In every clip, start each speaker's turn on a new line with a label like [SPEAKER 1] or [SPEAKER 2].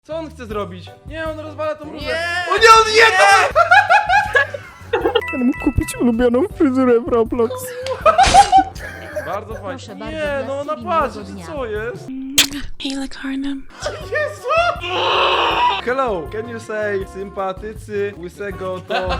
[SPEAKER 1] Co on chce zrobić? Nie, on rozwala tą różę.
[SPEAKER 2] Nie!
[SPEAKER 1] O nie, on je to!
[SPEAKER 3] Chcę mu kupić ulubioną fryzurę w Roblox.
[SPEAKER 1] Bardzo fajnie.
[SPEAKER 4] Proszę bardzo,
[SPEAKER 1] Nie,
[SPEAKER 4] dla
[SPEAKER 1] no ona
[SPEAKER 4] Stevie
[SPEAKER 1] patrzy,
[SPEAKER 4] miłego dnia.
[SPEAKER 1] co jest?
[SPEAKER 5] Hey, Lacarnum.
[SPEAKER 1] Hello, can you say sympatycy łysego to...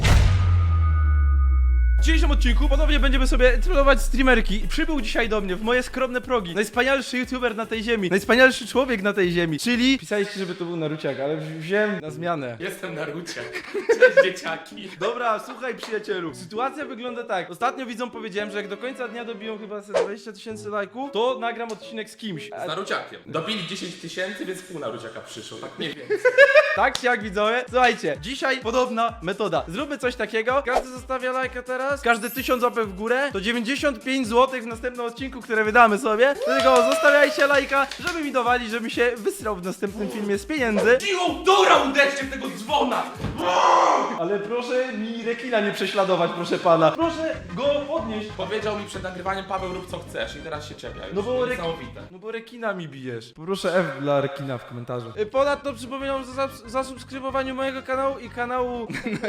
[SPEAKER 1] W dzisiejszym odcinku ponownie będziemy sobie trollować streamerki. Przybył dzisiaj do mnie w moje skromne progi najwspanialszy youtuber na tej ziemi, najwspanialszy człowiek na tej ziemi, czyli... Pisaliście, żeby to był Naruciak, ale wziąłem na zmianę.
[SPEAKER 2] Jestem Naruciak. Cześć dzieciaki.
[SPEAKER 1] Dobra, słuchaj przyjacielu, sytuacja wygląda tak. Ostatnio widzom powiedziałem, że jak do końca dnia dobiją chyba 20 000 lajków, to nagram odcinek z kimś.
[SPEAKER 2] Z Naruciakiem. Dobili 10 000, więc pół Naruciaka przyszło, tak mniej więcej.
[SPEAKER 1] Tak czy jak widzowie? Słuchajcie, dzisiaj podobna metoda. Zróbmy coś takiego. Każdy zostawia lajka teraz. Każdy 1000 łapek w górę. To 95 zł w następnym odcinku, które wydamy sobie. Dlatego zostawiajcie lajka, żeby mi dowali, żebym się wysrał w następnym filmie z pieniędzy.
[SPEAKER 2] Siłą dura uderzcie w tego dzwona!
[SPEAKER 1] Ale proszę mi rekina nie prześladować, proszę pana. Proszę go podnieść.
[SPEAKER 2] Powiedział mi przed nagrywaniem Paweł, rób co chcesz i teraz się czepia już.
[SPEAKER 1] No bo
[SPEAKER 2] Niesamowite.
[SPEAKER 1] No bo rekina mi bijesz. Poproszę F dla rekina w komentarzu. Ponadto przypominam o zasubskrybowaniu mojego kanału i kanału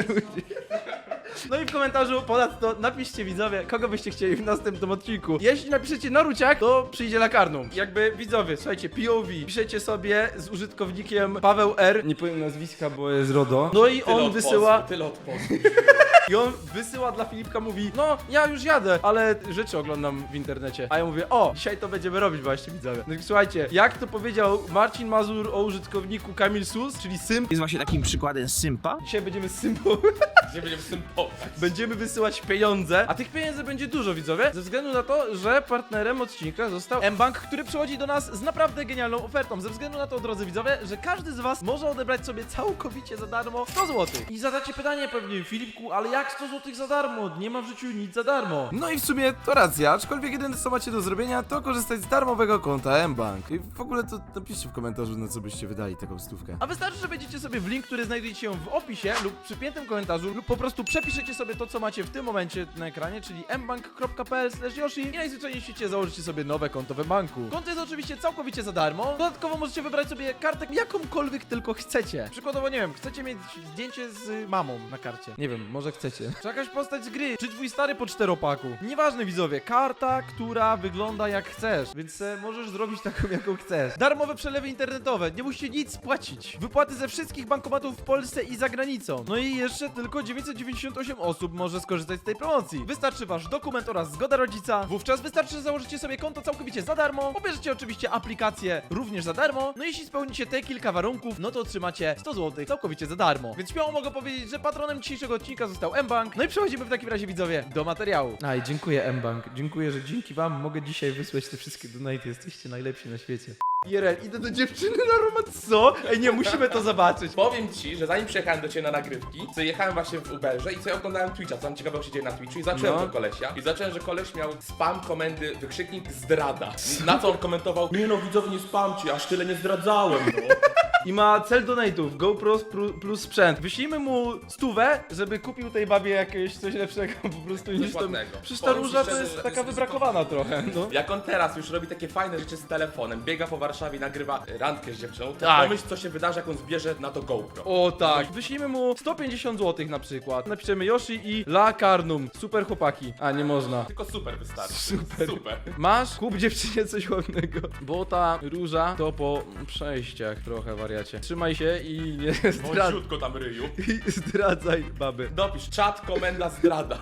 [SPEAKER 1] No i w komentarzu ponadto napiszcie widzowie, kogo byście chcieli w następnym odcinku. Jeśli napiszecie Naruciak, to przyjdzie Lacarnum. Jakby widzowie, słuchajcie, POV, piszecie sobie z użytkownikiem Paweł R. Nie powiem nazwiska, bo jest RODO. No i
[SPEAKER 2] Tyle
[SPEAKER 1] on
[SPEAKER 2] od
[SPEAKER 1] wysyła...
[SPEAKER 2] pozwu, tyle od pozwu.
[SPEAKER 1] I on wysyła dla Filipka, mówi: no, ja już jadę, ale rzeczy oglądam w internecie. A ja mówię: o, dzisiaj to będziemy robić właśnie, widzowie. No i słuchajcie, jak to powiedział Marcin Mazur o użytkowniku Kamil Sus, czyli Symp.
[SPEAKER 3] Jest właśnie takim przykładem sympa.
[SPEAKER 1] Dzisiaj będziemy Sympą.
[SPEAKER 2] Gdzie będziemy z tym popać.
[SPEAKER 1] Będziemy wysyłać pieniądze, a tych pieniędzy będzie dużo, widzowie, ze względu na to, że partnerem odcinka został mBank, który przychodzi do nas z naprawdę genialną ofertą. Ze względu na to, drodzy widzowie, że każdy z was może odebrać sobie całkowicie za darmo 100 zł. I zadacie pytanie pewnie: Filipku, ale jak 100 zł za darmo? Nie ma w życiu nic za darmo. No i w sumie to racja, aczkolwiek jedyne co macie do zrobienia, to korzystać z darmowego konta mBank. I w ogóle to napiszcie w komentarzu, na co byście wydali taką stówkę. A wystarczy, że wejdziecie sobie w link, który znajduje się w opisie lub przypiętym komentarzu, lub po prostu przepiszecie sobie to, co macie w tym momencie na ekranie, czyli mbank.pl/yoshi i najzwyczajniej w świecie założycie sobie nowe konto w banku. Konto jest oczywiście całkowicie za darmo. Dodatkowo możecie wybrać sobie kartę jakąkolwiek tylko chcecie. Przykładowo, nie wiem, chcecie mieć zdjęcie z mamą na karcie. Nie wiem, może chcecie. Czy jakaś postać z gry, czy twój stary po 4-paku. Nieważne, widzowie, karta, która wygląda jak chcesz, więc możesz zrobić taką, jaką chcesz. Darmowe przelewy internetowe, nie musicie nic płacić. Wypłaty ze wszystkich bankomatów w Polsce i za granicą. No i jeszcze tylko 998 osób może skorzystać z tej promocji. Wystarczy wasz dokument oraz zgoda rodzica. Wówczas wystarczy, że założycie sobie konto całkowicie za darmo. Pobierzecie oczywiście aplikację również za darmo. No jeśli spełnicie te kilka warunków, no to otrzymacie 100 zł całkowicie za darmo. Więc śmiało mogę powiedzieć, że patronem dzisiejszego odcinka został mBank. No i przechodzimy w takim razie, widzowie, do materiału. I dziękuję mBank. Dziękuję, że dzięki wam mogę dzisiaj wysłać te wszystkie donaty. Jesteście najlepsi na świecie. IRL, idę do dziewczyny na romans. Co? Ej, nie, musimy to zobaczyć.
[SPEAKER 2] Powiem ci, że zanim przyjechałem do ciebie na nagrywki, to jechałem właśnie w Uberze i sobie oglądałem Twitcha, co tam ciekawego się dzieje na Twitchu i zacząłem
[SPEAKER 1] No.
[SPEAKER 2] do kolesia. I zacząłem, że koleś miał spam komendy, wykrzyknik zdrada. Na co on komentował: nie no, widzowie, nie spamcie, aż tyle nie zdradzałem, no.
[SPEAKER 1] I ma cel donate'ów, GoPro plus sprzęt. Wyślijmy mu 100, żeby kupił tej babie jakieś coś lepszego po prostu niż to.
[SPEAKER 2] Dokładnego.
[SPEAKER 1] Przecież ta
[SPEAKER 2] Powiem ci
[SPEAKER 1] róża to
[SPEAKER 2] szczerze,
[SPEAKER 1] jest
[SPEAKER 2] że
[SPEAKER 1] taka
[SPEAKER 2] jest
[SPEAKER 1] wybrakowana trochę, no.
[SPEAKER 2] Jak on teraz już robi takie fajne rzeczy z telefonem, biega po Warszawie, nagrywa randkę z dziewczyną, to
[SPEAKER 1] Tak.
[SPEAKER 2] pomyśl, co się wydarzy, jak on zbierze na to GoPro.
[SPEAKER 1] O tak. Wyślijmy mu 150 zł na przykład. Napiszemy Yoshi i Lacarnum. Super chłopaki. A, nie można.
[SPEAKER 2] Tylko super wystarczy.
[SPEAKER 1] Super.
[SPEAKER 2] Super.
[SPEAKER 1] Masz? Kup dziewczynie coś ładnego. Bo ta róża to po przejściach trochę, wariacie. Trzymaj się i nie zdradzaj.
[SPEAKER 2] Bądźciutko tam ryju.
[SPEAKER 1] I zdradzaj baby.
[SPEAKER 2] Dopisz czat, komenda, zdrada.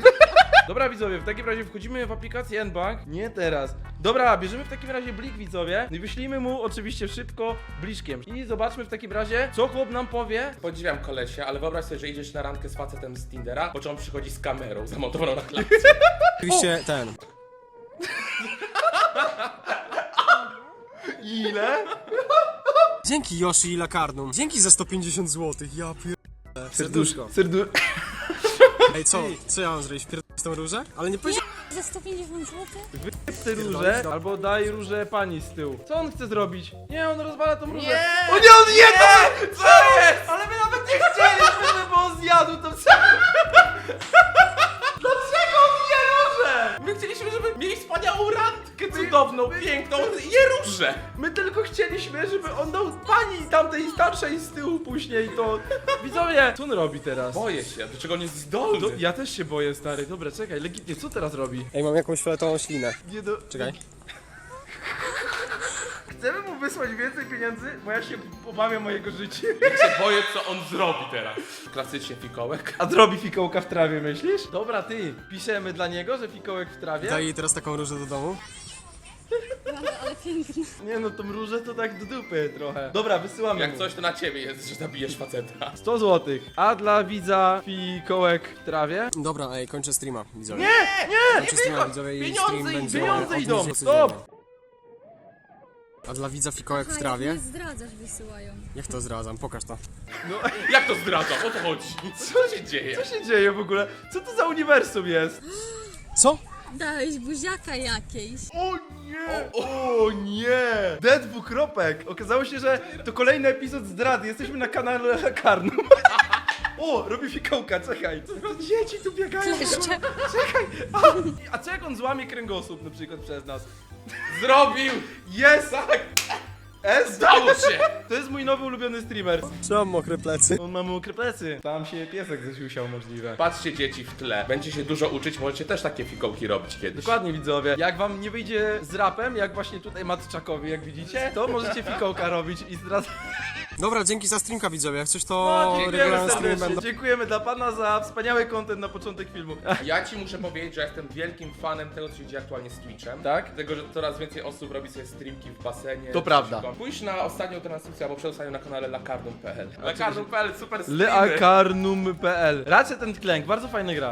[SPEAKER 1] Dobra, widzowie, w takim razie wchodzimy w aplikację mBank. Nie teraz. Dobra, bierzemy w takim razie blik, widzowie. I wyślijmy mu oczywiście szybko bliczkiem. I zobaczmy w takim razie, co chłop nam powie.
[SPEAKER 2] Podziwiam kolesia, ale wyobraź sobie, że idziesz na randkę z facetem z Tindera, po czym on przychodzi z kamerą zamontowaną na klatce.
[SPEAKER 3] Oczywiście ten.
[SPEAKER 1] Ile?
[SPEAKER 6] Dzięki Yoshi i Lacarnum. Dzięki za 150 zł. Ja pierdolę. Serduszko. Ej, co ja mam zrobić? Pierdolę tą różę? Ale nie powiedziałem.
[SPEAKER 4] Za 150 zł?
[SPEAKER 1] Wyjeb tę różę, albo daj różę pani z tyłu. Co on chce zrobić? Nie, on rozwala tą różę.
[SPEAKER 2] Nie!
[SPEAKER 1] O nie, on je to! Co jest? Ale my nawet nie chcieliśmy, żeby on zjadł to. Dlaczego on je różę?
[SPEAKER 2] My chcieliśmy, żeby mieli wspaniałą randkę, co cudowną, piękną Jerużę.
[SPEAKER 1] My tylko chcieliśmy, żeby on dał pani tamtej starszej z tyłu później to... Widzowie, co on robi teraz?
[SPEAKER 2] Boję się, do czego on jest zdolny.
[SPEAKER 1] No, ja też się boję, stary. Dobra, czekaj, legitnie, co teraz robi?
[SPEAKER 6] Ej, mam jakąś fioletową ślinę.
[SPEAKER 1] Nie do...
[SPEAKER 6] Czekaj.
[SPEAKER 1] Chcemy mu wysłać więcej pieniędzy, bo ja się obawiam mojego życia.
[SPEAKER 2] Ja się boję, co on zrobi teraz. Klasycznie fikołek.
[SPEAKER 1] A zrobi fikołka w trawie, myślisz? Dobra, ty, piszemy dla niego, że fikołek w trawie.
[SPEAKER 6] Daj jej teraz taką różę do domu.
[SPEAKER 5] Ale piękne.
[SPEAKER 1] Nie no, tą różę to tak do dupy trochę. Dobra, wysyłamy
[SPEAKER 2] Jak
[SPEAKER 1] mu.
[SPEAKER 2] coś, to na ciebie jest, że zabijesz faceta.
[SPEAKER 1] 100 zł. A dla widza fikołek w trawie?
[SPEAKER 6] Dobra, ej, kończę streama, widzowie.
[SPEAKER 1] Nie!
[SPEAKER 6] Kończę streama, widzowie, i stream będzie
[SPEAKER 1] Pieniądze
[SPEAKER 6] od
[SPEAKER 1] idą!
[SPEAKER 6] 20
[SPEAKER 1] Stop!
[SPEAKER 6] codziennie. A dla widza fikołek w trawie?
[SPEAKER 5] Nie zdradzasz, wysyłają.
[SPEAKER 6] Jak to zdradzam? Pokaż to.
[SPEAKER 2] Jak to zdradzam? O co chodzi? Co się dzieje?
[SPEAKER 1] Co się dzieje w ogóle? Co to za uniwersum jest?
[SPEAKER 6] Co?
[SPEAKER 5] Dałeś buziaka jakiejś.
[SPEAKER 1] O nie! O nie! D dwukropek! Okazało się, że to kolejny epizod zdrady. Jesteśmy na kanale Karnum. O, robi fikołka, czekaj. Dzieci tu biegają.
[SPEAKER 5] Kleszcze.
[SPEAKER 1] Czekaj. A co jak on złamie kręgosłup na przykład przez nas?
[SPEAKER 2] Zrobił!
[SPEAKER 1] Jest!
[SPEAKER 2] Tak!
[SPEAKER 1] S!
[SPEAKER 2] Stało się!
[SPEAKER 1] To jest mój nowy ulubiony streamer.
[SPEAKER 6] Trzymam mokre plecy.
[SPEAKER 1] On ma mokre plecy. Tam się piesek zasiusiał możliwe.
[SPEAKER 2] Patrzcie dzieci w tle. Będzie się dużo uczyć, możecie też takie fikołki robić kiedyś.
[SPEAKER 1] Dokładnie widzowie, jak wam nie wyjdzie z rapem, jak właśnie tutaj Matczakowi, jak widzicie, to możecie fikołka robić i teraz...
[SPEAKER 6] Dobra, dzięki za streamka, widzowie. Jak coś to
[SPEAKER 1] No, dziękujemy
[SPEAKER 6] regularne streamy
[SPEAKER 1] serdecznie,
[SPEAKER 6] będą.
[SPEAKER 1] dziękujemy dla pana za wspaniały content na początek filmu.
[SPEAKER 2] Ja ci muszę powiedzieć, że jestem wielkim fanem tego, co się dzieje aktualnie z Twitchem.
[SPEAKER 1] Tak?
[SPEAKER 2] Dlatego, że coraz więcej osób robi sobie streamki w basenie.
[SPEAKER 1] To prawda.
[SPEAKER 2] Pójdź na ostatnią transmisję, albo przedostatnią na kanale lakarnum.pl. Lakarnum.pl, super streamy.
[SPEAKER 1] Leakarnum.pl. Racja ten klęk, bardzo fajna gra.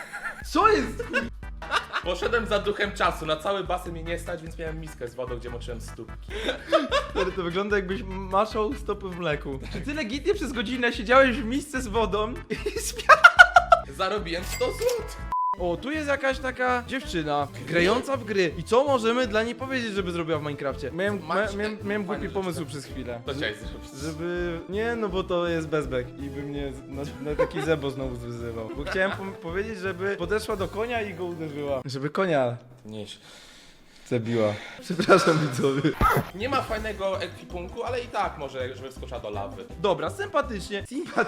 [SPEAKER 1] Co jest?
[SPEAKER 2] Poszedłem za duchem czasu, na cały basen mnie nie stać, więc miałem miskę z wodą, gdzie moczyłem stópki.
[SPEAKER 1] To wygląda jakbyś maszał stopy w mleku. Czy ty legitnie przez godzinę siedziałeś w misce z wodą i spiałeś?
[SPEAKER 2] Zarobiłem 100 zł.
[SPEAKER 1] O, tu jest jakaś taka dziewczyna grająca w gry. I co możemy dla niej powiedzieć, żeby zrobiła w Minecrafcie? Miałem głupi pomysł przez chwilę.
[SPEAKER 2] To chciałeś zrobić.
[SPEAKER 1] Żeby... Nie, no bo to jest bezbek i by mnie na taki zebo znowu wyzywał. Bo chciałem powiedzieć, żeby podeszła do konia i go uderzyła. Żeby konia
[SPEAKER 2] Nieś.
[SPEAKER 1] zabiła. Przepraszam widzowie.
[SPEAKER 2] Nie ma fajnego ekwipunku, ale i tak może, żeby wskoczyła do lawy.
[SPEAKER 1] Dobra, sympatycznie.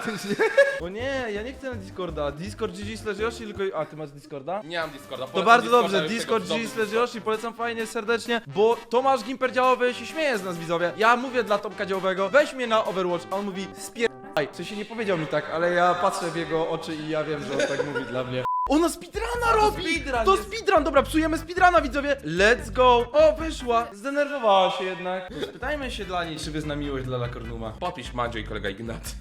[SPEAKER 1] O nie, ja nie chcę na Discorda. Discord GG/Yoshi tylko... A, ty masz Discorda?
[SPEAKER 2] Nie mam Discorda.
[SPEAKER 1] To
[SPEAKER 2] polecam
[SPEAKER 1] bardzo
[SPEAKER 2] Discorda,
[SPEAKER 1] dobrze,
[SPEAKER 2] już
[SPEAKER 1] Discord
[SPEAKER 2] tego w domu
[SPEAKER 1] GG/Yoshi, polecam fajnie, serdecznie, bo Tomasz Gimper Działowy się śmieje z nas, widzowie. Ja mówię dla Tomka Działowego, weź mnie na Overwatch, a on mówi spierdaj. W sensie nie powiedział mi tak, ale ja patrzę w jego oczy i ja wiem, że on tak mówi dla mnie. Ona speedruna robi!
[SPEAKER 2] speedrun
[SPEAKER 1] To
[SPEAKER 2] jest.
[SPEAKER 1] speedrun, dobra, psujemy speedruna, widzowie. Let's go! O, wyszła, zdenerwowała się jednak. To spytajmy się dla niej, czy wyzna miłość dla Lakornuma.
[SPEAKER 2] Podpisz Mandzio i kolega Ignat.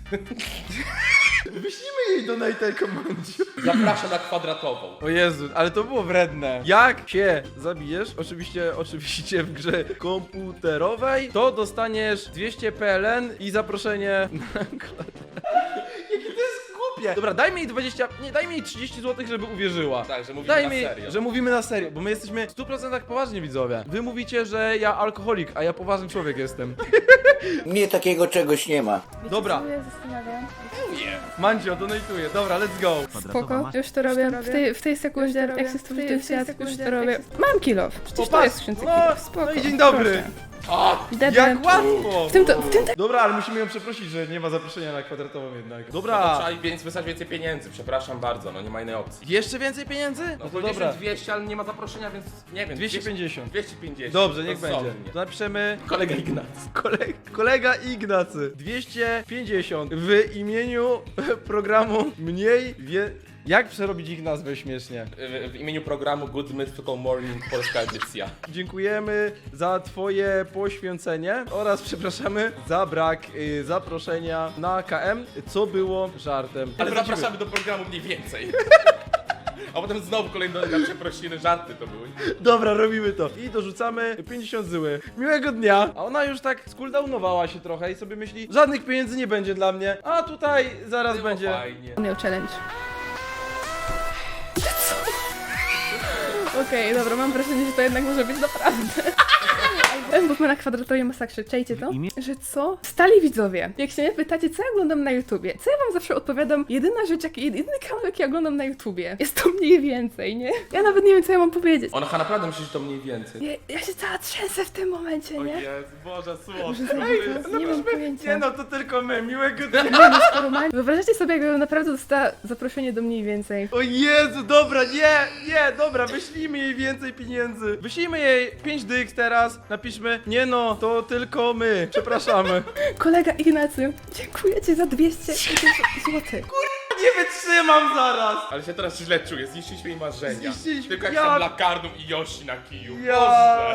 [SPEAKER 1] Wyślijmy jej donate'a komandzie.
[SPEAKER 2] Zapraszam na kwadratową.
[SPEAKER 1] O Jezu, ale to było wredne. Jak się zabijesz, oczywiście w grze komputerowej, to dostaniesz 200 PLN i zaproszenie na Jakie to jest głupie. Dobra, dajmy jej 20, nie, dajmy jej 30 zł, żeby uwierzyła.
[SPEAKER 2] Tak, że mówimy
[SPEAKER 1] Dajmy,
[SPEAKER 2] na serio.
[SPEAKER 1] że mówimy na serio, bo my jesteśmy w 100% poważni widzowie. Wy mówicie, że ja alkoholik, a ja poważny człowiek jestem.
[SPEAKER 4] Mnie takiego czegoś nie ma.
[SPEAKER 1] Dobra,
[SPEAKER 7] Ja zastanawiam.
[SPEAKER 1] Mandzio, donatuję. Dobra, let's go.
[SPEAKER 7] Spoko, już to robię. W tej sekundzie, jak się stworzy ten świat, już to robię. Mam kilof. Przecież to jest w skrzynce kilof. Spoko.
[SPEAKER 1] No i dzień dobry.
[SPEAKER 7] Debe.
[SPEAKER 1] Jak łatwo.
[SPEAKER 7] W tym
[SPEAKER 1] Dobra, ale musimy ją przeprosić, że nie ma zaproszenia na kwadratową jednak.
[SPEAKER 2] No,
[SPEAKER 1] Dobra.
[SPEAKER 2] trzeba więc wysłać więcej pieniędzy, przepraszam bardzo, no nie ma innej opcji.
[SPEAKER 1] Jeszcze więcej pieniędzy?
[SPEAKER 2] No
[SPEAKER 1] No
[SPEAKER 2] to
[SPEAKER 1] to dobra.
[SPEAKER 2] 200, ale nie ma zaproszenia, więc nie wiem.
[SPEAKER 1] 250.
[SPEAKER 2] 250.
[SPEAKER 1] Dobrze, niech będzie.
[SPEAKER 2] Rozsądnie.
[SPEAKER 1] To napiszemy
[SPEAKER 2] Kolega Ignat.
[SPEAKER 1] kolega Ignacy. 250 w imieniu programu mniej Jak przerobić ich nazwę śmiesznie?
[SPEAKER 2] W imieniu programu Good Mythical Morning polska edycja.
[SPEAKER 1] Dziękujemy za twoje poświęcenie oraz przepraszamy za brak zaproszenia na KM, co było żartem.
[SPEAKER 2] Ale
[SPEAKER 1] Wrócimy.
[SPEAKER 2] zapraszamy do programu mniej więcej. A potem znowu kolejne przeprosiny, żarty to były.
[SPEAKER 1] Dobra, robimy to. I dorzucamy 50 zyły. Miłego dnia. A ona już tak skuldownowała się trochę i sobie myśli, żadnych pieniędzy nie będzie dla mnie, a tutaj zaraz
[SPEAKER 2] Było
[SPEAKER 1] będzie.
[SPEAKER 2] fajnie.
[SPEAKER 7] miał challenge. Okej, dobra, mam wrażenie, że to jednak może być naprawdę. Bo na kwadratowej masakrze, czajcie to? Że co? Stali widzowie, jak się mnie pytacie, co ja oglądam na YouTubie, co ja wam zawsze odpowiadam, jedyna rzecz, jedyny kanał, jaki ja oglądam na YouTubie, jest to mniej więcej, nie? Ja nawet nie wiem, co ja mam powiedzieć.
[SPEAKER 2] Ona naprawdę myśli, że to mniej więcej.
[SPEAKER 7] Ja się cała trzęsę w tym momencie,
[SPEAKER 1] O
[SPEAKER 7] nie?
[SPEAKER 1] Jezu, Boże, słodko.
[SPEAKER 7] Może zajmę, nie mam pojęcia.
[SPEAKER 1] Nie no, to tylko my, miłego dnia.
[SPEAKER 7] Normalnie. Wyobraźcie sobie, jakbym naprawdę dostała zaproszenie do mniej więcej.
[SPEAKER 1] O Jezu, dobra, nie, dobra, wyślijmy jej więcej pieniędzy. Wyślijmy jej 5 dych teraz, napiszmy, nie no, to tylko my, przepraszamy.
[SPEAKER 7] Kolega Ignacy, dziękuję ci za 200 zł.
[SPEAKER 1] Nie wytrzymam zaraz.
[SPEAKER 2] Ale się teraz źle czuję, zniszczyliśmy jej marzenia.
[SPEAKER 1] Zniszczyliśmy-
[SPEAKER 2] Tylko jak
[SPEAKER 1] ja-
[SPEAKER 2] tam Lakarnum i Yoshi na kiju.
[SPEAKER 1] Ja-
[SPEAKER 2] Boże.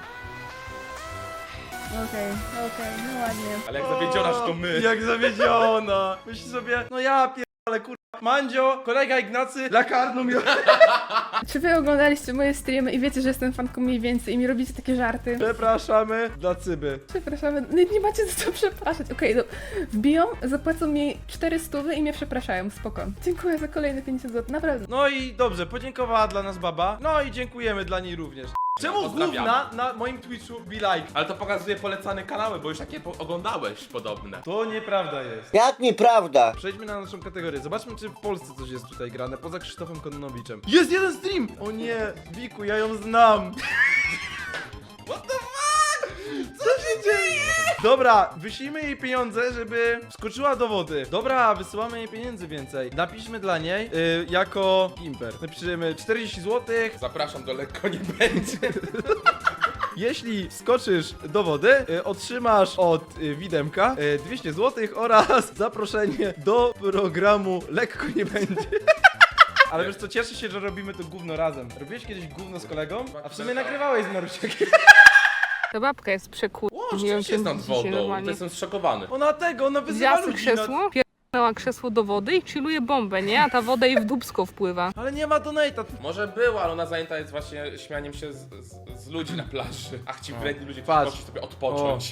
[SPEAKER 7] Okej, no ładnie.
[SPEAKER 2] Ale jak zawiedziona, że to my.
[SPEAKER 1] Jak zawiedziona. Myśli sobie, no ja pierdolę, kurwa. Mandzio, kolega Ignacy, Lakarnum.
[SPEAKER 7] Czy wy oglądaliście moje streamy i wiecie, że jestem fanką mniej więcej i mi robicie takie żarty?
[SPEAKER 1] Przepraszamy dla Cyby.
[SPEAKER 7] Przepraszamy, nie macie za co przepraszać. Okej, no, wbiją, zapłacą mi 400 i mnie przepraszają, spoko. Dziękuję za kolejne 50 zł, naprawdę.
[SPEAKER 1] No i dobrze, podziękowała dla nas baba. No i dziękujemy dla niej również. Czemu
[SPEAKER 2] Pozdrawiamy.
[SPEAKER 1] gówna na moim Twitchu be like?
[SPEAKER 2] Ale to pokazuje polecane kanały, bo już takie oglądałeś podobne.
[SPEAKER 1] To nieprawda jest.
[SPEAKER 4] Jak nieprawda?
[SPEAKER 1] Przejdźmy na naszą kategorię. Zobaczmy, czy w Polsce coś jest tutaj grane, poza Krzysztofem Kononowiczem. Jest jeden stream! O nie, Wiku, ja ją znam. What the fuck? Co się dzieje? Dobra, wyślijmy jej pieniądze, żeby skoczyła do wody. Dobra, wysyłamy jej pieniędzy więcej. Napiszmy dla niej jako imper. Napiszemy 40 zł.
[SPEAKER 2] Zapraszam do Lekko Nie Będzie.
[SPEAKER 1] Jeśli skoczysz do wody, otrzymasz od Widemka 200 zł oraz zaproszenie do programu Lekko Nie Będzie. Ale wiesz co, cieszę się, że robimy to gówno razem. Robiłeś kiedyś gówno z kolegą? A w sumie nagrywałeś z Marusiakiem.
[SPEAKER 8] Ta babka jest przekur...
[SPEAKER 2] O, rzeczywiście jest nad wodą, to
[SPEAKER 8] normalnie.
[SPEAKER 2] jestem zszokowany.
[SPEAKER 1] Ona wyzywa
[SPEAKER 8] Wzięła sobie
[SPEAKER 1] ludzi.
[SPEAKER 8] krzesło, pierdolała krzesło do wody i chilluje bombę, nie? A ta woda jej w dupsko wpływa.
[SPEAKER 1] Ale nie ma donate'a.
[SPEAKER 2] Może była, ale ona zajęta jest właśnie śmianiem się z ludzi na plaży. Ach, ci wredni ludzie,
[SPEAKER 1] Patrz.
[SPEAKER 2] którzy poszli sobie odpocząć.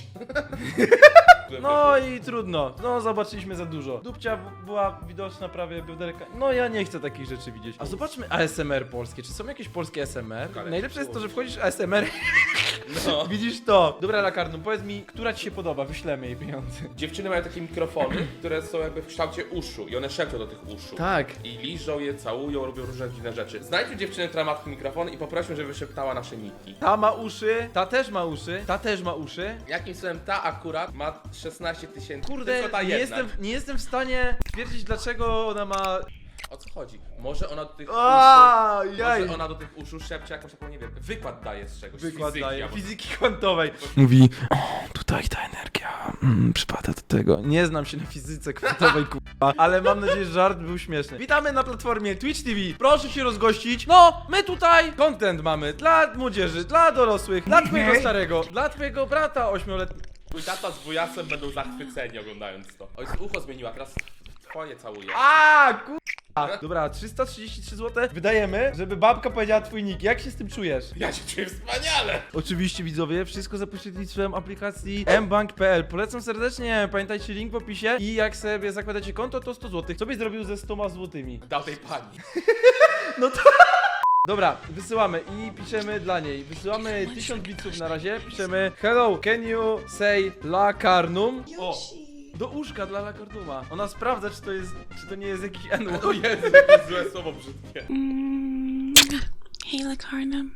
[SPEAKER 1] No i trudno. No zobaczyliśmy za dużo. Dupcia była widoczna prawie bioderka. No ja nie chcę takich rzeczy widzieć. A zobaczmy ASMR polskie. Czy są jakieś polskie ASMR?
[SPEAKER 2] Ale
[SPEAKER 1] Najlepsze jest to, że wchodzisz w ASMR
[SPEAKER 2] No.
[SPEAKER 1] widzisz to. Dobra, Lakarnum, powiedz mi, która ci się podoba? Wyślemy jej pieniądze.
[SPEAKER 2] Dziewczyny mają takie mikrofony, które są jakby w kształcie uszu i one szepczą do tych uszu.
[SPEAKER 1] Tak.
[SPEAKER 2] I liżą je, całują, robią różne dziwne rzeczy. Znajdźmy dziewczynę, która ma taki mikrofon i poprośmy, żeby wyszeptała nasze niki.
[SPEAKER 1] Ta ma uszy, ta też ma uszy, ta też ma uszy.
[SPEAKER 2] Jakim cudem ta akurat ma 16 000?
[SPEAKER 1] Kurde,
[SPEAKER 2] Tylko ta jedna.
[SPEAKER 1] nie jestem w stanie stwierdzić, dlaczego ona ma...
[SPEAKER 2] O co chodzi? Może ona do tych
[SPEAKER 1] Jaj.
[SPEAKER 2] Może ona do tych uszu szepcze jakąś taką, nie wiem, wykład daje z czegoś.
[SPEAKER 1] Wykład
[SPEAKER 2] fizyki,
[SPEAKER 1] daje,
[SPEAKER 2] albo-
[SPEAKER 1] fizyki kwantowej. Mówi, o, tutaj ta energia przypada do tego. Nie znam się na fizyce kwantowej, kurwa, ale mam nadzieję, że żart był śmieszny. Witamy na platformie Twitch TV. Proszę się rozgościć. No, my tutaj content mamy dla młodzieży, dla dorosłych, dla twojego starego, dla twojego brata 8-letniego.
[SPEAKER 2] Twój tata z wujasem będą zachwyceni oglądając to. Oj, ucho zmieniła, teraz twoje całuje.
[SPEAKER 1] Dobra, 333 zł wydajemy, żeby babka powiedziała twój nick. Jak się z tym czujesz?
[SPEAKER 2] Ja się czuję wspaniale!
[SPEAKER 1] Oczywiście widzowie, wszystko za pośrednictwem aplikacji mbank.pl. Polecam serdecznie, pamiętajcie link w opisie i jak sobie zakładacie konto, to 100 zł. Co byś zrobił ze 100 złotymi?
[SPEAKER 2] Dał tej pani.
[SPEAKER 1] No to... Dobra, wysyłamy i piszemy dla niej. Wysyłamy 1000 bitsów na razie. Piszemy hello, can you say Lakarnum? O! Do łóżka dla Lakarnuma. Ona sprawdza, czy to nie jest jakiś N-word.
[SPEAKER 2] O Jezu, jakie złe słowo brzydkie.
[SPEAKER 9] Hey, Lakarnum.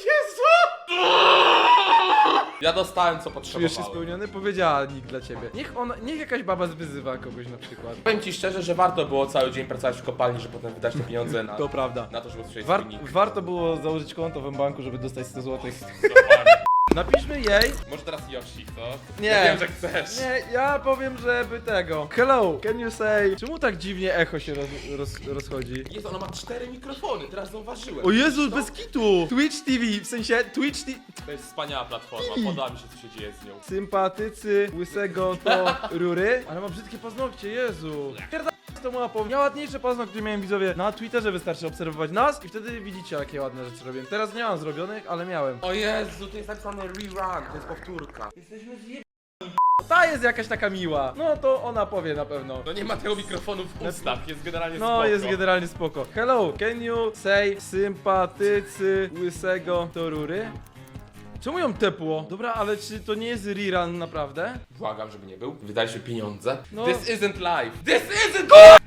[SPEAKER 2] Ja dostałem co
[SPEAKER 1] Czujesz się
[SPEAKER 2] potrzebowałem.
[SPEAKER 1] spełniony? Powiedziała nick dla ciebie. Niech jakaś baba wyzywa kogoś na przykład.
[SPEAKER 2] Powiem ci szczerze, że warto było cały dzień pracować w kopalni, żeby potem wydać te pieniądze na
[SPEAKER 1] To prawda.
[SPEAKER 2] to, żeby usłyszeć
[SPEAKER 1] Warto było założyć konto w banku, żeby dostać 100 zł.
[SPEAKER 2] Dokładnie.
[SPEAKER 1] Napiszmy jej.
[SPEAKER 2] Może teraz Yoshi, co?
[SPEAKER 1] Nie.
[SPEAKER 2] Ja wiem, że chcesz.
[SPEAKER 1] Nie, ja powiem, żeby tego. Hello, can you say... Czemu tak dziwnie echo się rozchodzi?
[SPEAKER 2] Jezu, ona ma 4 mikrofony, teraz zauważyłem.
[SPEAKER 1] O Jezu, bez kitu! Twitch TV, w sensie Twitch TV...
[SPEAKER 2] To jest wspaniała platforma, podoba mi się, co się dzieje z nią.
[SPEAKER 1] Sympatycy łysego to rury. Ale ma brzydkie paznokcie, Jezu. Pierdolę z tą łapą. Ja ładniejsze paznokcie miałem, widzowie. Na Twitterze wystarczy obserwować nas i wtedy widzicie, jakie ładne rzeczy robię. Teraz nie mam zrobionych, ale miałem.
[SPEAKER 2] O Jezu, to jest napisane rerun, to jest powtórka.
[SPEAKER 1] Ta jest jakaś taka miła. No to ona powie na pewno.
[SPEAKER 2] No nie ma tego mikrofonu w ustach, jest generalnie
[SPEAKER 1] No,
[SPEAKER 2] spoko.
[SPEAKER 1] jest generalnie spoko. Hello, can you say sympatycy łysego to rury? Czemu ją tepło? Dobra, ale czy to nie jest rerun naprawdę?
[SPEAKER 2] Błagam, żeby nie był. Wydaliśmy pieniądze.
[SPEAKER 1] No.
[SPEAKER 2] This isn't life. This isn't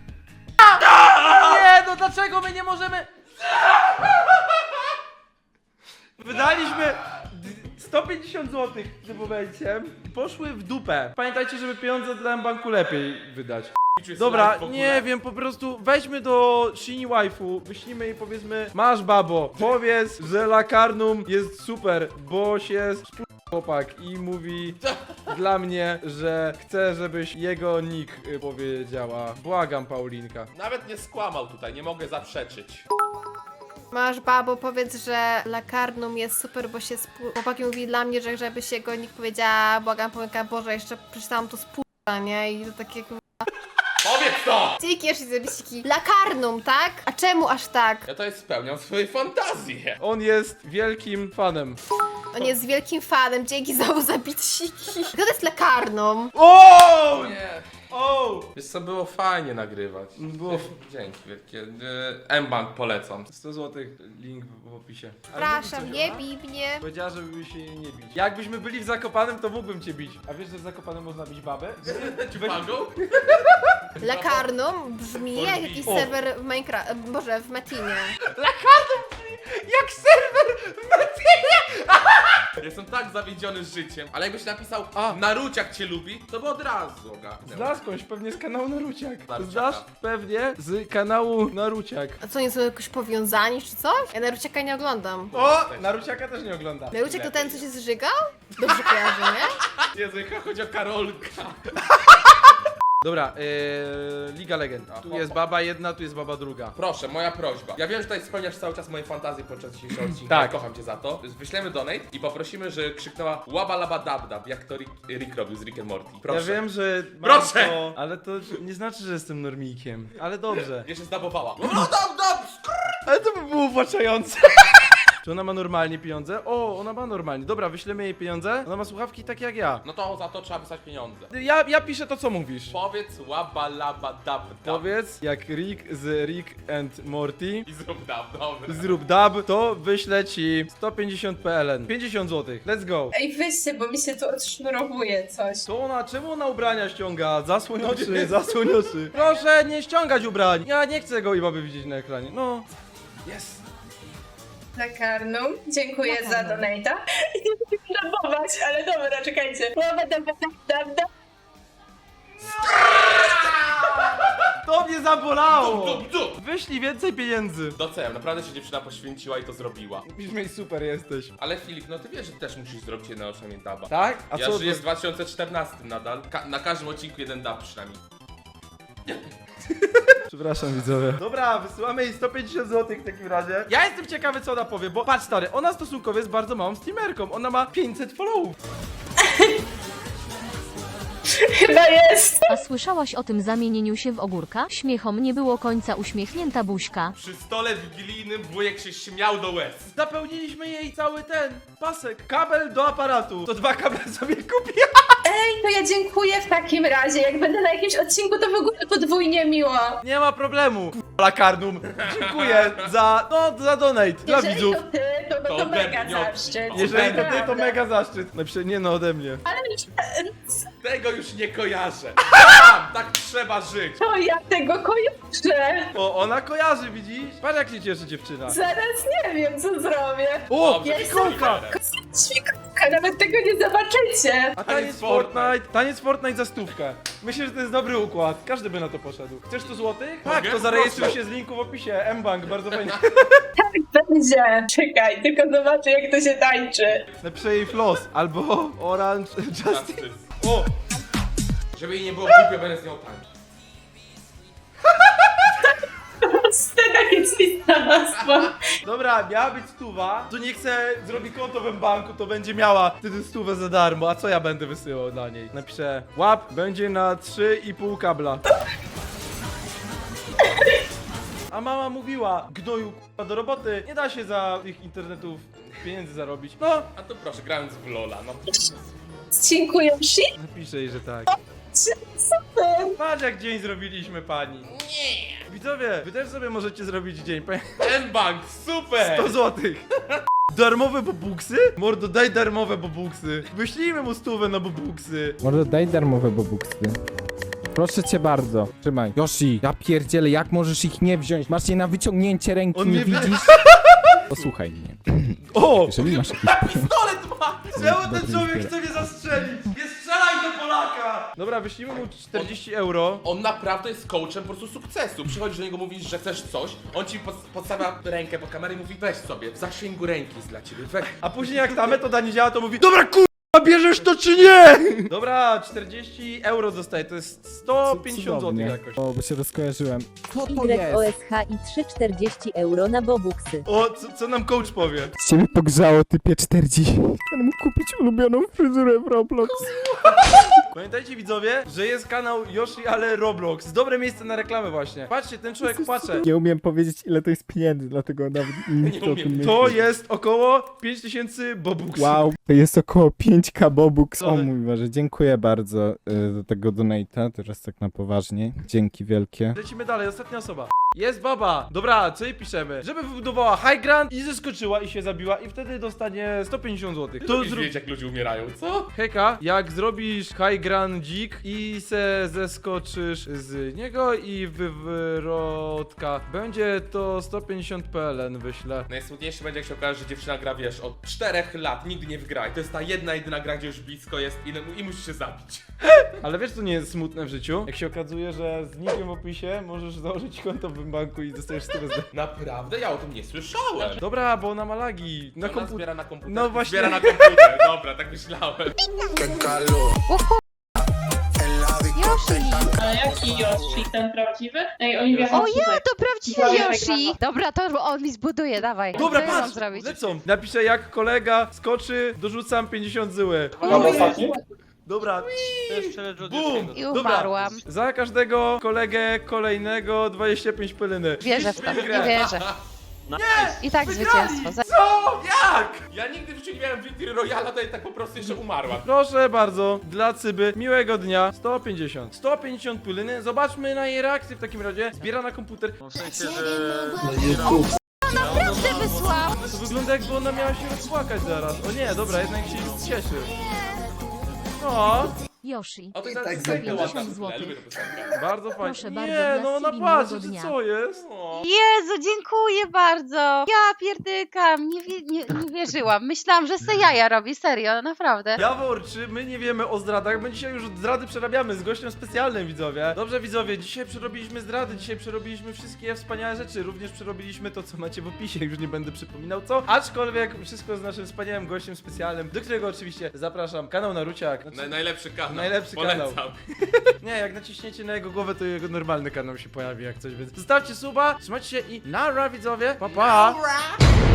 [SPEAKER 1] Nie, no dlaczego my nie możemy... Wydaliśmy 150 zł w tym momencie. Poszły w dupę. Pamiętajcie, żeby pieniądze dla banku lepiej wydać. Dobra, nie wiem, po prostu weźmy do Shini Waifu, wyślijmy jej, powiedzmy: masz babo, powiedz, że Lakarnum jest super, bo się chłopak i mówi dla mnie, że chce, żebyś jego nick powiedziała. Błagam, Paulinka.
[SPEAKER 2] Nawet nie skłamał tutaj, nie mogę zaprzeczyć.
[SPEAKER 10] Masz babo, powiedz, że Lakarnum jest super, bo się chłopaki mówi dla mnie, że żeby się go nikt powiedziała, błagam, pomyka, Boże, jeszcze przeczytałam to nie? I to takie
[SPEAKER 2] Powiedz to!
[SPEAKER 10] Dzięki, jeszcze zapisiki. Lakarnum, tak? A czemu aż tak?
[SPEAKER 2] Ja to jest spełniam swoje fantazje.
[SPEAKER 1] On jest wielkim fanem.
[SPEAKER 10] On jest wielkim fanem, dzięki za zapisiki. Kto to jest Lakarnum?
[SPEAKER 1] O!
[SPEAKER 2] Nie.
[SPEAKER 1] O!
[SPEAKER 2] Wiesz co, było fajnie nagrywać.
[SPEAKER 1] Było
[SPEAKER 2] Dzięki wielkie. M-Bank polecam.
[SPEAKER 1] 100 zł, link w opisie. Ale
[SPEAKER 10] Przepraszam,
[SPEAKER 1] mówi coś,
[SPEAKER 10] nie
[SPEAKER 1] ona?
[SPEAKER 10] bij mnie.
[SPEAKER 1] Powiedziała, żeby się nie bić. Jakbyśmy byli w Zakopanem, to mógłbym cię bić. A wiesz, że w Zakopanem można bić babę?
[SPEAKER 2] Ciupangą?
[SPEAKER 10] Lakarnum brzmi jak jakiś
[SPEAKER 1] O.
[SPEAKER 10] serwer w Minecraft, Boże, w Metinie.
[SPEAKER 1] Jak serwer w Metinie!
[SPEAKER 2] Jestem tak zawiedziony życiem. Ale jakbyś napisał Naruciak cię lubi, to by od razu ogarnęło.
[SPEAKER 1] Znasz skądś pewnie z kanału Naruciak.
[SPEAKER 2] Naruciaka.
[SPEAKER 1] Znasz pewnie z kanału Naruciak.
[SPEAKER 10] A co, nie są jakoś powiązani czy coś? Ja Naruciaka nie oglądam.
[SPEAKER 1] O! Naruciaka też nie ogląda.
[SPEAKER 10] Naruciak to ten, co się zżygał? Dobrze kojarzę, nie?
[SPEAKER 2] Jezu, jaka chodzi o Karolka.
[SPEAKER 1] Dobra, Liga Legend. Tu jest baba jedna, tu jest baba druga.
[SPEAKER 2] Proszę, moja prośba. Ja wiem, że tutaj spełniasz cały czas moje fantazje podczas dzisiejszego odcinka.
[SPEAKER 1] Tak.
[SPEAKER 2] Ja kocham cię za to. Wyślemy donate i poprosimy, że krzyknęła łaba laba dab dab, jak to Rick robił z Rick and Morty. Proszę.
[SPEAKER 1] Ja wiem, że mam
[SPEAKER 2] Proszę!
[SPEAKER 1] to, ale to nie znaczy, że jestem normikiem. Ale dobrze.
[SPEAKER 2] Ja się zdabowała. No dab dab!
[SPEAKER 1] Ale to by było uwłaczające. Czy ona ma normalnie pieniądze? O, ona ma normalnie. Dobra, wyślemy jej pieniądze. Ona ma słuchawki takie jak ja.
[SPEAKER 2] No to za to trzeba wysłać pieniądze.
[SPEAKER 1] Ja piszę to, co mówisz.
[SPEAKER 2] Powiedz łaba laba dab dab.
[SPEAKER 1] Powiedz, jak Rick z Rick and Morty
[SPEAKER 2] I zrób dab, dobra.
[SPEAKER 1] zrób dub, to wyślę ci 150 PLN. 50 zł. Let's go.
[SPEAKER 8] Ej, weźcie, bo mi się tu odsznurowuje coś.
[SPEAKER 1] To ona, czemu ona ubrania ściąga? Zasłoń oczy, zasłoń oczy. Proszę nie ściągać ubrań. Ja nie chcę go i mamy widzieć na ekranie. No. Jest.
[SPEAKER 8] Lakarnum, dziękuję za donate'a. Nie chcę rabować, ale dobra, czekajcie.
[SPEAKER 1] To mnie zabolało.
[SPEAKER 2] Dup, dup.
[SPEAKER 1] Wyślij więcej pieniędzy.
[SPEAKER 2] Doceniam, naprawdę się dziewczyna poświęciła i to zrobiła.
[SPEAKER 1] Brzmi super jesteś.
[SPEAKER 2] Ale Filip, no ty wiesz, że też musisz zrobić jedno przynajmniej daba.
[SPEAKER 1] Tak? A
[SPEAKER 2] Ja
[SPEAKER 1] co?
[SPEAKER 2] żyję w 2014 nadal. Na każdym odcinku jeden dab przynajmniej.
[SPEAKER 1] Przepraszam widzowie. Dobra, wysyłamy jej 150 zł w takim razie. Ja jestem ciekawy, co ona powie, bo patrz stary, ona stosunkowo jest bardzo małą streamerką. Ona ma 500 followów.
[SPEAKER 8] Chyba jest.
[SPEAKER 5] A słyszałaś o tym zamienieniu się w ogórka? Śmiechom nie było końca, uśmiechnięta buźka.
[SPEAKER 2] Przy stole wigilijnym wujek się śmiał do łez.
[SPEAKER 1] Zapełniliśmy jej cały ten pasek. Kabel do aparatu. To 2 kable sobie kupię.
[SPEAKER 8] Ej, to ja dziękuję w takim razie. Jak będę na jakimś odcinku, to w ogóle podwójnie miło.
[SPEAKER 1] Nie ma problemu. Lakarnum. Dziękuję za donate dla
[SPEAKER 8] Jeżeli
[SPEAKER 1] widzów.
[SPEAKER 8] to ty, to
[SPEAKER 2] To
[SPEAKER 8] mega
[SPEAKER 2] ode mnie
[SPEAKER 8] zaszczyt.
[SPEAKER 1] Jeżeli to ty, to
[SPEAKER 8] Naprawdę.
[SPEAKER 1] mega zaszczyt. Nie no, ode mnie.
[SPEAKER 8] Ale
[SPEAKER 2] Tego już nie kojarzę. Tak trzeba żyć.
[SPEAKER 8] to ja tego kojarzę.
[SPEAKER 1] O, ona kojarzy, widzisz? Patrz jak się cieszy dziewczyna.
[SPEAKER 8] Zaraz nie wiem, co zrobię.
[SPEAKER 1] O,
[SPEAKER 2] Dobrze,
[SPEAKER 1] świekonka!
[SPEAKER 8] Świnka, nawet tego nie zobaczycie.
[SPEAKER 1] A taniec Fortnite za 100. Myślę, że to jest dobry układ. Każdy by na to poszedł. Chcesz 100 złotych? Tak,
[SPEAKER 2] Mogę?
[SPEAKER 1] to zarejestruj
[SPEAKER 2] Proszę.
[SPEAKER 1] się z linku w opisie. M-Bank, bardzo fajnie.
[SPEAKER 8] Będzie. Czekaj, tylko zobaczę, jak to się tańczy.
[SPEAKER 1] Napiszę jej floss albo Orange Justice.
[SPEAKER 2] O! Żeby jej nie było głupio, będę z nią tańczyć.
[SPEAKER 8] Scena jest listawstwa.
[SPEAKER 1] Dobra, miała być 100. To nie chce zrobi konto w M-Banku, to będzie miała wtedy 100 za darmo. A co ja będę wysyłał dla niej? Napiszę łap będzie na 3,5 kabla. A mama mówiła, gnoju k***a, do roboty, nie da się za tych internetów pieniędzy zarobić. No,
[SPEAKER 2] A to proszę, grając w Lola, no.
[SPEAKER 8] Dziękuję, Shi.
[SPEAKER 1] napiszę jej, że tak.
[SPEAKER 8] Super.
[SPEAKER 1] Patrz jak dzień zrobiliśmy pani. Nie. Widzowie, wy też sobie możecie zrobić dzień.
[SPEAKER 2] M-Bank, super!
[SPEAKER 1] 100 złotych. Darmowe bobuksy? Mordo, daj darmowe bobuksy. Wyślijmy mu 100 na bobuksy.
[SPEAKER 3] Może daj darmowe bobuksy. Proszę cię bardzo. Trzymaj. Yoshi, ja pierdzielę, jak możesz ich nie wziąć? Masz je na wyciągnięcie ręki,
[SPEAKER 1] On
[SPEAKER 3] nie
[SPEAKER 1] mnie
[SPEAKER 3] widzisz? Posłuchaj mnie.
[SPEAKER 1] O!
[SPEAKER 3] Jeżeli masz jakieś...
[SPEAKER 2] Pistolet ma!
[SPEAKER 1] Czemu ten człowiek chce mnie zastrzelić? Nie strzelaj do Polaka! Dobra, wyślijmy mu 40 euro.
[SPEAKER 2] On naprawdę jest coachem po prostu sukcesu. Przychodzisz do niego, mówisz, że chcesz coś, on ci podstawia rękę po kamerę i mówi weź sobie, w zasięgu ręki jest dla ciebie, weź.
[SPEAKER 1] A później jak ta metoda nie działa, to mówi dobra kurwa, bierzesz to czy nie? Dobra, 40 euro dostaję, to jest 150 zł
[SPEAKER 3] Cudownie.
[SPEAKER 1] jakoś.
[SPEAKER 3] O, bo się rozkojarzyłem. Co to jest?
[SPEAKER 5] YOSH i 3,40 euro na bobuksy.
[SPEAKER 1] O, co nam coach powie?
[SPEAKER 3] Ciebie pogrzało, typie 40. Będę mógł kupić ulubioną fryzurę w Roblox.
[SPEAKER 1] Pamiętajcie widzowie, że jest kanał Yoshi, ale Roblox. Dobre miejsce na reklamę właśnie. Patrzcie, ten człowiek płacze.
[SPEAKER 3] Nie umiem powiedzieć, ile to jest pieniędzy, dlatego nawet nie chcę o tym myśleć.
[SPEAKER 1] To jest około 5000 bobuksów.
[SPEAKER 3] Wow, to jest około 5k bobux. O
[SPEAKER 1] Ale-
[SPEAKER 3] mój Boże, dziękuję bardzo za tego donate'a. Teraz tak na poważnie. Dzięki wielkie.
[SPEAKER 1] Lecimy dalej, ostatnia osoba. Jest baba. Dobra, co jej piszemy? Żeby wybudowała high ground i zeskoczyła i się zabiła i wtedy dostanie 150 zł.
[SPEAKER 2] To wiesz, jak ludzie umierają, co?
[SPEAKER 1] Hejka, jak zrobisz high ground dzik i se zeskoczysz z niego i wywrotka, będzie to 150 PLN wyślę.
[SPEAKER 2] Najsmutniejsze będzie, jak się okaże, że dziewczyna gra, wiesz, od 4 lat, nigdy nie wygra. I to jest ta jedyna gra, gdzie już blisko jest i musi się zabić.
[SPEAKER 1] Ale wiesz co nie jest smutne w życiu? Jak się okazuje, że z nikiem w opisie możesz założyć konto w banku i dostajesz 100 zł.
[SPEAKER 2] Naprawdę? Ja o tym nie słyszałem.
[SPEAKER 1] Dobra, bo ona ma lagi. Na
[SPEAKER 2] Ona
[SPEAKER 1] komputer.
[SPEAKER 2] zbiera na komputer.
[SPEAKER 1] No właśnie.
[SPEAKER 2] Zbiera na komputer, dobra, tak myślałem.
[SPEAKER 8] Ale jaki Yoshi, ten prawdziwy? Ej, Oliwia,
[SPEAKER 5] O ja, to prawdziwy Yoshi! Dobra, to on mi zbuduje, dawaj.
[SPEAKER 1] Dobra,
[SPEAKER 5] Co ja mam
[SPEAKER 1] patrz,
[SPEAKER 5] zrobić?
[SPEAKER 1] lecą. Napiszę jak kolega skoczy, dorzucam 50 zł. Dobra. Bum!
[SPEAKER 5] I
[SPEAKER 1] Dobra.
[SPEAKER 5] umarłam.
[SPEAKER 1] Za każdego kolegę kolejnego 25 pyliny.
[SPEAKER 5] Wierzę w to,
[SPEAKER 1] Grę.
[SPEAKER 5] nie wierzę. I tak
[SPEAKER 1] Wygrali!
[SPEAKER 5] zwycięstwo.
[SPEAKER 2] Co? Jak? Ja nigdy w życiu nie miałem Victory Royala, to tak po prostu jeszcze umarła.
[SPEAKER 1] Proszę bardzo, dla Cyby, miłego dnia, 150. 150 pyliny, zobaczmy na jej reakcję w takim razie. Zbiera na komputer.
[SPEAKER 5] Naprawdę wysłał!
[SPEAKER 1] To wygląda jakby ona miała się rozpłakać zaraz. O nie, dobra, jednak się cieszy. O,
[SPEAKER 5] Yoshi.
[SPEAKER 2] O, to jest
[SPEAKER 4] tak
[SPEAKER 2] tak
[SPEAKER 5] zabija.
[SPEAKER 2] ładna
[SPEAKER 5] 50
[SPEAKER 2] piosenka, ja
[SPEAKER 5] złotych.
[SPEAKER 2] lubię tę piosenkę.
[SPEAKER 1] bardzo fajnie.
[SPEAKER 5] Proszę bardzo,
[SPEAKER 1] Nie,
[SPEAKER 5] dla
[SPEAKER 1] no ona
[SPEAKER 5] Cybi
[SPEAKER 1] patrzy,
[SPEAKER 5] miłego dnia.
[SPEAKER 1] co jest?
[SPEAKER 5] Jezu, dziękuję bardzo! Ja pierdykam, nie wierzyłam. Myślałam, że se jaja robi, serio, naprawdę.
[SPEAKER 1] Jawor, czy my nie wiemy o zdradach? My dzisiaj już zdrady przerabiamy z gościem specjalnym, widzowie. Dobrze, widzowie, dzisiaj przerobiliśmy zdrady, dzisiaj przerobiliśmy wszystkie wspaniałe rzeczy. Również przerobiliśmy to, co macie w opisie, już nie będę przypominał co. Aczkolwiek wszystko z naszym wspaniałym gościem specjalnym, do którego oczywiście zapraszam. Kanał Naruciak. Znaczy,
[SPEAKER 2] Najlepszy kanał.
[SPEAKER 1] Najlepszy
[SPEAKER 2] Polecam.
[SPEAKER 1] kanał. Nie, jak naciśniecie na jego głowę, to jego normalny kanał się pojawi jak coś, więc zostawcie suba, trzymajcie się i nara, widzowie, pa pa!